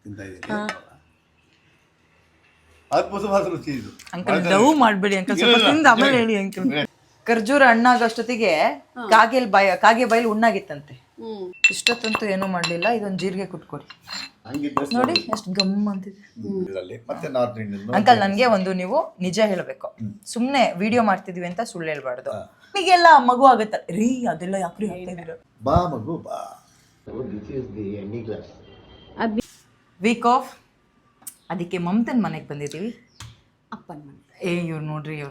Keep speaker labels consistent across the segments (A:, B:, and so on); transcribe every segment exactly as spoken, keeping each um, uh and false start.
A: ತಿಂತಾ ಇದ್ದೀನಿ. ಅದ್ಭುತವಾದ ರುಚಿ ಇದು.
B: ಅಂಕಲ್ ಲವ್ ಮಾಡಬೇಡಿ ಅಂಕಲ್, ಸ್ವಲ್ಪ ತಿಂದು ಆಮೇಲೆ ಹೇಳಿ ಅಂಕಲ್. ಖರ್ಜೂರ ಹಣ್ಣಾಗಷ್ಟೊತ್ತಿಗೆ ಕಾಗೆಲ್ ಬಾಯ ಕಾಗೆ ಬಾಯಲ್ಲಿ ಉಣ್ಣಾಗಿತ್ತಂತೆ. ಇಷ್ಟೊತ್ತಂತೂ ಏನೂ ಮಾಡ್ಲಿಲ್ಲ. ಇದೊಂದು ಜೀರಿಗೆ ಕುಟ್ಕೊಡಿ ನೋಡಿ ಎಷ್ಟು ಗಮ್ ಅಂತಿದೆ. ಅಂಕಲ್ ನನ್ಗೆ ಒಂದು ನೀವು ನಿಜ ಹೇಳ್ಬೇಕು, ಸುಮ್ನೆ ವಿಡಿಯೋ ಮಾಡ್ತಿದೀವಿ ಅಂತ ಸುಳ್ಳು ಹೇಳ್ಬಾರ್ದು. ಈಗೆಲ್ಲ ಮಗು ಆಗತ್ತ ರೀ, ಅದೆಲ್ಲ ಯಾಕ್ರಿ ಹೇಳ್ತಾ ಇದೀರ?
A: ಬಾ ಮಗು ಬಾ.
B: ವೀಕ್ ಆಫ್ ಅದಕ್ಕೆ ಮಮತನ್ ಮನೆಗೆ ಬಂದಿದ್ದೀವಿ.
C: ಅಪ್ಪನ ಮನೆ.
B: ಏ ಇವ್ರು ನೋಡ್ರಿ ಇವ್ರು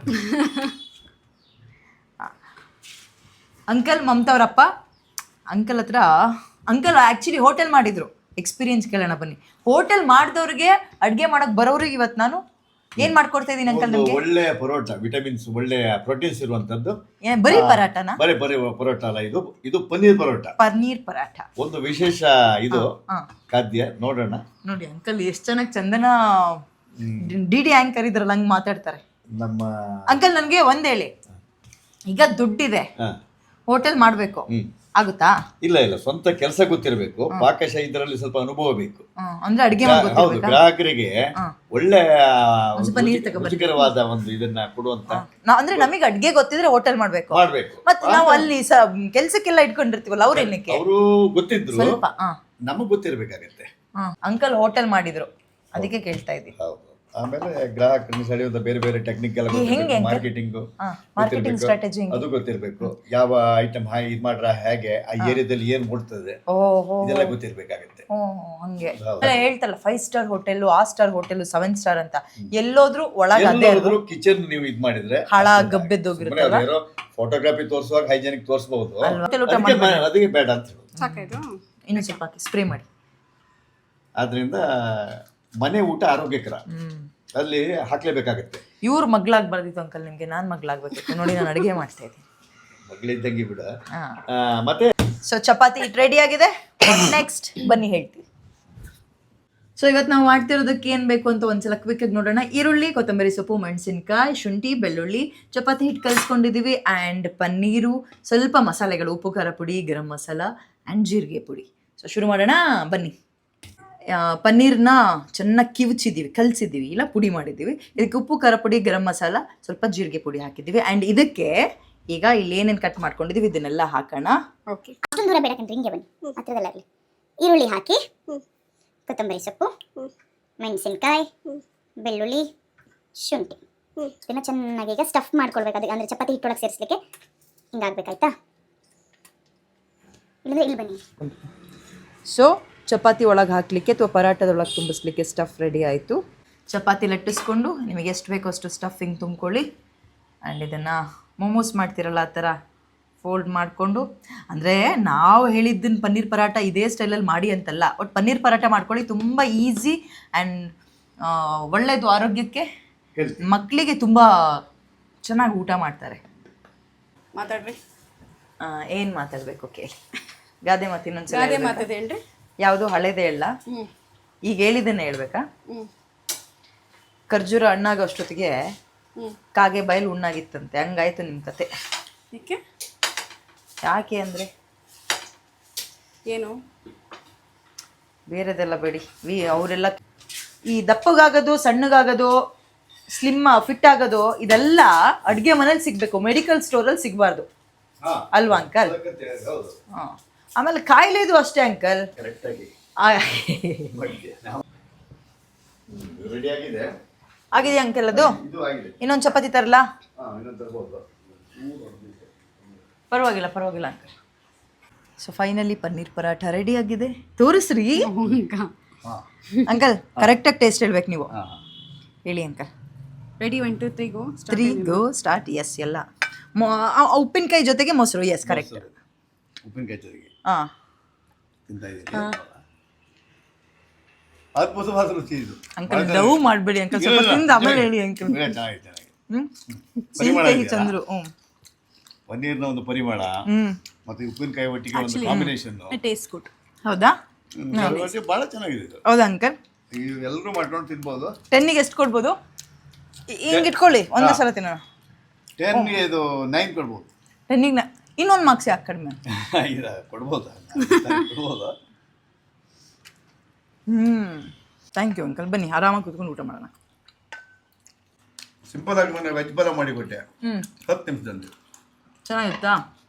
B: ಅಂಕಲ್ ಮಮತವ್ರಪ್ಪ. ಅಂಕಲ್ ಹತ್ರ ಅಂಕಲ್ ಆ್ಯಕ್ಚುಲಿ ಹೋಟೆಲ್ ಮಾಡಿದ್ರು, ಎಕ್ಸ್ಪೀರಿಯನ್ಸ್ ಕೇಳೋಣ ಬನ್ನಿ. ಹೋಟೆಲ್ ಮಾಡಿದವ್ರಿಗೆ ಅಡುಗೆ ಮಾಡಕ್ ಬರೋರಿಗೆ ಇವತ್ತು ನಾನು ಏನ್ ಮಾಡ್ಕೊಡ್ತಾ ಇದೀನಿ ಅಂಕಲ್? ನಮಗೆ
A: ಒಳ್ಳೆ ಪರೋಟ, ವಿಟಮಿನ್ಸ್, ಒಳ್ಳೆ ಪ್ರೋಟೀನ್ಸ್ ಇರುವಂತದ್ದು.
B: ಬರೀ ಪರಾಟನ?
A: ಬರೀ ಬರೀ ಪರೋಟ ಅಲ್ಲ, ಇದು ಇದು ಪನ್ನೀರ್ ಪರೋಟ.
B: ಪನ್ನೀರ್ ಪರಾಠ
A: ಒಂದು ವಿಶೇಷ ಇದು ಖಾದ್ಯ. ನೋಡೋಣ
B: ನೋಡಿ ಅಂಕಲ್ ಎಷ್ಟು ಚೆನ್ನಾಗಿ ಚಂದನ ಡಿ ಡಿ ಆಂಕರ್ ಇದ್ರಲ್ಲ ಹಂಗ್ ಮಾತಾಡ್ತಾರೆ
A: ನಮ್ಮ
B: ಅಂಕಲ್. ನನ್ಗೆ ಒಂದ್ ಹೇಳಿ, ಈಗ ದುಡ್ಡಿದೆ, ಹೋಟೆಲ್ ಮಾಡ್ಬೇಕು, ಆಗುತ್ತಾ?
A: ಇಲ್ಲ ಇಲ್ಲ, ಸ್ವಂತ ಕೆಲಸ ಗೊತ್ತಿರಬೇಕು, ಪಾಕಶಾಹಿ ಇದರಲ್ಲಿ ಸ್ವಲ್ಪ ಅನುಭವ ಬೇಕು.
B: ಅಂದ್ರೆ ಅಡಿಗೆ
A: ಹೌದು, ಗ್ರಾಹಕರಿಗೆ ಒಳ್ಳೆ ರುಚಿಕರವಾದ ಒಂದು ಇದನ್ನ ಕೊಡುವಂತ.
B: ಅಂದ್ರೆ ನಮಗೆ ಅಡ್ಗೆ ಗೊತ್ತಿದ್ರೆ ಹೋಟೆಲ್ ಮಾಡ್ಬೇಕು
A: ಮಾಡ್ಬೇಕು.
B: ಮತ್ತೆ ನಾವು ಅಲ್ಲಿ ಕೆಲ್ಸಕ್ಕೆಲ್ಲ ಇಟ್ಕೊಂಡಿರ್ತೀವಲ್ಲ, ಅವ್ರ ಏನಕ್ಕೆ?
A: ಅವರು ಗೊತ್ತಿದ್ರು,
B: ಸ್ವಲ್ಪ
A: ನಮಗ್ ಗೊತ್ತಿರ್ಬೇಕಾಗತ್ತೆ.
B: ಅಂಕಲ್ ಹೋಟೆಲ್ ಮಾಡಿದ್ರು, ಅದಕ್ಕೆ ಕೇಳ್ತಾ ಇದ್ದೀನಿ.
A: ಹೌದು. ಆಮೇಲೆ ಗ್ರಾಹಕರನ್ನು ಸೆಳೆಯುವಂತ ಬೇರೆ ಬೇರೆ ಟೆಕ್ನಿಕ್ ಎಲ್ಲ ಗೊತ್ತಿರಬೇಕು, ಮಾರ್ಕೆಟಿಂಗ್
B: ಮಾರ್ಕೆಟಿಂಗ್ ಸ್ಟ್ರಾಟಜಿ
A: ಅದು ಗೊತ್ತಿರಬೇಕು. ಯಾವ ಐಟಮ್ ಹಾಗೆ ಇದು ಮಾಡ್ರ ಹೇಗೆ, ಆ ಏರಿಯಾದಲ್ಲಿ ಏನ್ ಮುಡ್ತದೆ ಇದೆಲ್ಲ ಗೊತ್ತಿರ್ಬೇಕಾಗತ್ತೆ.
B: ಹಂಗೆ ಹೇಳ್ತಲ್ಲ, ಫೈವ್ ಸ್ಟಾರ್ ಹೋಟೆಲ್, ಆ ಸ್ಟಾರ್ ಹೋಟೆಲ್, ಸೆವೆನ್ ಸ್ಟಾರ್ ಅಂತ ಎಲ್ಲೋದ್ರು ಒಳಗೆ ಅದೇ
A: ಕಿಚನ್ ನೀವು ಇದ್ ಮಾಡಿದ್ರೆ
B: ಹಳ ಗಬ್ಬೆದ್ದೋಗಿರುತ್ತೆ.
A: ಫೋಟೋಗ್ರಾಫಿ ತೋರಿಸುವಾಗ ಹೈಜೆನಿಕ್ ತೋರಿಸಬಹುದು, ಅದಕ್ಕೆ ಬೇಡ ಅಂತ
C: ಸಾಕಾಯ್ತು.
B: ಇನ್ನು ಸ್ವಲ್ಪ ಸ್ಪ್ರೇ ಮಾಡಿ.
A: ಆದ್ರಿಂದ ಮನೆ ಊಟ ಆರೋಗ್ಯಕರ, ಅಲ್ಲಿ ಹಾಕ್ಲೇಬೇಕಾಗತ್ತೆ.
B: ಇವ್ರು ಮಗ್ಳಾಗ್ಬಾರ್ದಿತ್ತು ಅಂಕಲ್ ನಿಮ್ಗೆ, ನಾನ್ ಮಗ್ಳಾಗ್ಬೇಕಿತ್ತು. ನೋಡಿ ನಾನು ಅಡಿಗೆ ಮಾಡ್ತಾ ಇದ್ದೀನಿ,
A: ಮಗಳಿದ್ದಂಗೆ ಬಿಡ. ಮತ್ತೆ
B: ಸೊ ಚಪಾತಿ ಇಟ್ ರೆಡಿ ಆಗಿದೆ. ನೆಕ್ಸ್ಟ್ ಬನ್ನಿ ಹೇಳ್ತೀವಿ. ಸೊ ಇವತ್ತು ನಾವು ಮಾಡ್ತಿರೋದಕ್ಕೆ ಏನು ಬೇಕು ಅಂತ ಒಂದ್ಸಲ ಕ್ವಿಕ್ ಆಗಿ ನೋಡೋಣ. ಈರುಳ್ಳಿ, ಕೊತ್ತಂಬರಿ ಸೊಪ್ಪು, ಮೆಣಸಿನ್ಕಾಯಿ, ಶುಂಠಿ, ಬೆಳ್ಳುಳ್ಳಿ, ಚಪಾತಿ ಹಿಟ್ಟು ಕಲಿಸ್ಕೊಂಡಿದ್ದೀವಿ, ಆ್ಯಂಡ್ ಪನ್ನೀರು, ಸ್ವಲ್ಪ ಮಸಾಲೆಗಳು, ಉಪ್ಪು, ಖಾರ ಪುಡಿ, ಗರಂ ಮಸಾಲ ಆ್ಯಂಡ್ ಜೀರಿಗೆ ಪುಡಿ. ಸೊ ಶುರು ಮಾಡೋಣ ಬನ್ನಿ. ಪನ್ನೀರ್ನ ಚೆನ್ನಾಗಿ ಕಿವುಚಿದ್ದೀವಿ, ಕಲಸಿದ್ದೀವಿ, ಇಲ್ಲ ಪುಡಿ ಮಾಡಿದ್ದೀವಿ. ಇದಕ್ಕೆ ಉಪ್ಪು, ಖಾರ ಪುಡಿ, ಗರಂ ಮಸಾಲ, ಸ್ವಲ್ಪ ಜೀರಿಗೆ ಪುಡಿ ಹಾಕಿದ್ದೀವಿ. ಆ್ಯಂಡ್ ಇದಕ್ಕೆ ಈಗ ಇಲ್ಲಿ ಏನೇನು ಕಟ್ ಮಾಡ್ಕೊಂಡಿದ್ದೀವಿ ಇದನ್ನೆಲ್ಲ ಹಾಕೋಣ.
C: ಓಕೆ, ಅಷ್ಟೊಂದು ದೂರ ಬೇಡಕಂದ್ರೆ ಹಿಂಗೆ ಬನ್ನಿ, ಹತ್ರದಲ್ಲಾಗಲಿ. ಈರುಳ್ಳಿ ಹಾಕಿ, ಕೊತ್ತಂಬರಿ ಸೊಪ್ಪು, ಮೆಣಸಿನ್ಕಾಯಿ, ಬೆಳ್ಳುಳ್ಳಿ, ಶುಂಠಿ, ಇದನ್ನು ಚೆನ್ನಾಗಿ ಈಗ ಸ್ಟಫ್ ಮಾಡ್ಕೊಳ್ಬೇಕು. ಅದಕ್ಕೆ ಅಂದರೆ ಚಪಾತಿ ಹಿಟ್ಟೊಳಗೆ ಸೇರಿಸ್ಲಿಕ್ಕೆ ಹಿಂಗಾಗಬೇಕಾಯ್ತಾ? ಇಲ್ಲಂದ್ರೆ ಇಲ್ಲಿ ಬನ್ನಿ.
B: ಸೊ ಚಪಾತಿ ಒಳಗೆ ಹಾಕಲಿಕ್ಕೆ ಅಥವಾ ಪರಾಟದೊಳಗೆ ತುಂಬಿಸ್ಲಿಕ್ಕೆ ಸ್ಟಫ್ ರೆಡಿ ಆಯಿತು. ಚಪಾತಿ ಲಟ್ಟಿಸ್ಕೊಂಡು ನಿಮಗೆ ಎಷ್ಟು ಬೇಕೋ ಅಷ್ಟು ಸ್ಟಫಿಂಗ್ ತುಂಬ್ಕೊಳ್ಳಿ. ಆ್ಯಂಡ್ ಇದನ್ನು ಮೊಮೋಸ್ ಮಾಡ್ತಿರಲ್ಲ ಆ ಥರ ಫೋಲ್ಡ್ ಮಾಡಿಕೊಂಡು, ಅಂದರೆ ನಾವು ಹೇಳಿದ್ದನ್ನು ಪನ್ನೀರ್ ಪರಾಟ ಇದೇ ಸ್ಟೈಲಲ್ಲಿ ಮಾಡಿ ಅಂತಲ್ಲ, ಒಟ್ಟು ಪನ್ನೀರ್ ಪರಾಟ ಮಾಡ್ಕೊಳ್ಳಿ, ತುಂಬ ಈಸಿ ಆ್ಯಂಡ್ ಒಳ್ಳೆಯದು ಆರೋಗ್ಯಕ್ಕೆ. ಮಕ್ಕಳಿಗೆ ತುಂಬ ಚೆನ್ನಾಗಿ ಊಟ ಮಾಡ್ತಾರೆ.
C: ಮಾತಾಡ್ರಿ.
B: ಏನು ಮಾತಾಡಬೇಕು ಕೇಳಿ? ಗಾದೆ ಮಾತು ಇನ್ನೊಂದ್ಸಲ
C: ಗಾದೆ ಮಾತದೆ ಹೇಳ್ರಿ.
B: ಯಾವುದು ಹಳೇದೇ ಹೇಳ? ಈಗ ಹೇಳಿದ್ದನ್ನೇ ಹೇಳ್ಬೇಕಾ? ಖರ್ಜೂರ ಹಣ್ಣಾಗೋ ಅಷ್ಟೊತ್ತಿಗೆ ಕಾಗೆ ಬಾಯಲ್ಲಿ ಹುಣ್ಣಾಗಿತ್ತಂತೆ, ಹಂಗಾಯ್ತು ನಿಮ್ಮ ಕತೆ. ಯಾಕೆ ಅಂದರೆ
C: ಏನು
B: ಬೇರೆದೆಲ್ಲ ಬೇಡಿ, ವಿ ಅವರೆಲ್ಲ ಈ ದಪ್ಪಗಾಗೋದು, ಸಣ್ಣಗಾಗೋದು, ಸ್ಲಿಮ್ ಫಿಟ್ ಆಗೋದು ಇದೆಲ್ಲ ಅಡುಗೆ ಮನೇಲಿ ಸಿಗಬೇಕು, ಮೆಡಿಕಲ್ ಸ್ಟೋರಲ್ಲಿ ಸಿಗಬಾರ್ದು ಅಲ್ವಾ ಅಂಕಲ್? ಹಾಂ. ಆಮೇಲೆ ಕಾಯಿಲೆದು ಅಷ್ಟೇ ಅಂಕಲ್. ಆಗಿದೆ ಅಂಕಲ್ ಅದು. ಇನ್ನೊಂದು ಚಪಾತಿ ತರಲಾ? ಪರವಾಗಿಲ್ಲ ಪರವಾಗಿಲ್ಲ uncle. So finally paneer paratha ready ಆಗಿದೆ. ತೋರಿಸ್ರಿ ಅಂಕಲ್, ಕರೆಕ್ಟಾಗಿ ಟೇಸ್ಟ್ ಹೇಳ್ಬೇಕು ನೀವು. ಹೇಳಿ uncle.
C: Ready, one two three go.
B: Three go start. Yes, ಎಲ್ಲ ಉಪ್ಪಿನಕಾಯಿ ಜೊತೆಗೆ ಮೊಸರು. Yes, correct.
A: ಉಪ್ಪಿನಕಾಯಿ ಜೊತೆಗೆ
B: ಹಾಂ
A: ತಿಂತಾ ಇದ್ದೀನಿ. ಅದ್ಭುತವಾದ ರುಚಿ ಇದು.
B: ಅಂಕಲ್ ಲವ್ ಮಾಡಬೇಡಿ ಅಂಕಲ್, ಸ್ವಲ್ಪ ತಿಂದು ಆಮೇಲೆ ಹೇಳಿ ಅಂಕಲ್. ಸೀತಾಯಿ ಚಂದ್ರು. ಹ್ಞೂ,
A: ಪನ್ನೀರ್ನ ಒಂದು ಪರಿಮಳ ಮತ್ತೆ ಉಪ್ಪಿನಕಾಯಿ ಒಟ್ಟಿಗೆ ಒಂದು ಕಾಂಬಿನೇಷನ್,
C: ಟೇಸ್ಟ್ ಗುಡ್.
B: ಹೌದಾ?
A: ಬಹಳ ಚೆನ್ನಾಗಿದೆ ಇದು.
B: ಹೌದಾ ಅಂಕಲ್?
A: ಎಲ್ಲರೂ ಮಾಡ್ಕೊಂಡು ತಿನ್ಬೋದು.
B: ಟೆನ್ನಿಗೆ ಎಷ್ಟು ಕೊಡ್ಬೋದು? ಹಿಂಗೆ ಇಟ್ಕೊಳ್ಳಿ, ಒಂದೇ ಸಲ ತಿನ್ನೋಣ.
A: ಟೆನ್ಗೆ ಇದು ನೈನ್ ಕೊಡ್ಬೋದು.
B: ಟೆನ್ನಿಗೆ ಇನ್ನೊಂದು ಮಾರ್ಕ್ಸ್ ಯಾಕೆ ಕಡಿಮೆ?
A: ಕೊಡ್ಬೋದಾ? ಕೊಡ್ಬೋದು.
B: ಹ್ಞೂ ಥ್ಯಾಂಕ್ ಯು ಅಂಕಲ್ ಬನ್ನಿ ಆರಾಮಾಗಿ ಕೂತ್ಕೊಂಡು ಊಟ ಮಾಡೋಣ.
A: ಸಿಂಪಲ್ ಆಗಿ ನಾನು ವೆಜ್ ಪಲಾವ್ ಮಾಡಿಕೊಟ್ಟೆ
B: ಹ್ಞೂ
A: ಹತ್ತು ನಿಮಿಷದಲ್ಲಿ.
B: ಚೆನ್ನಾಗಿತ್ತಾ?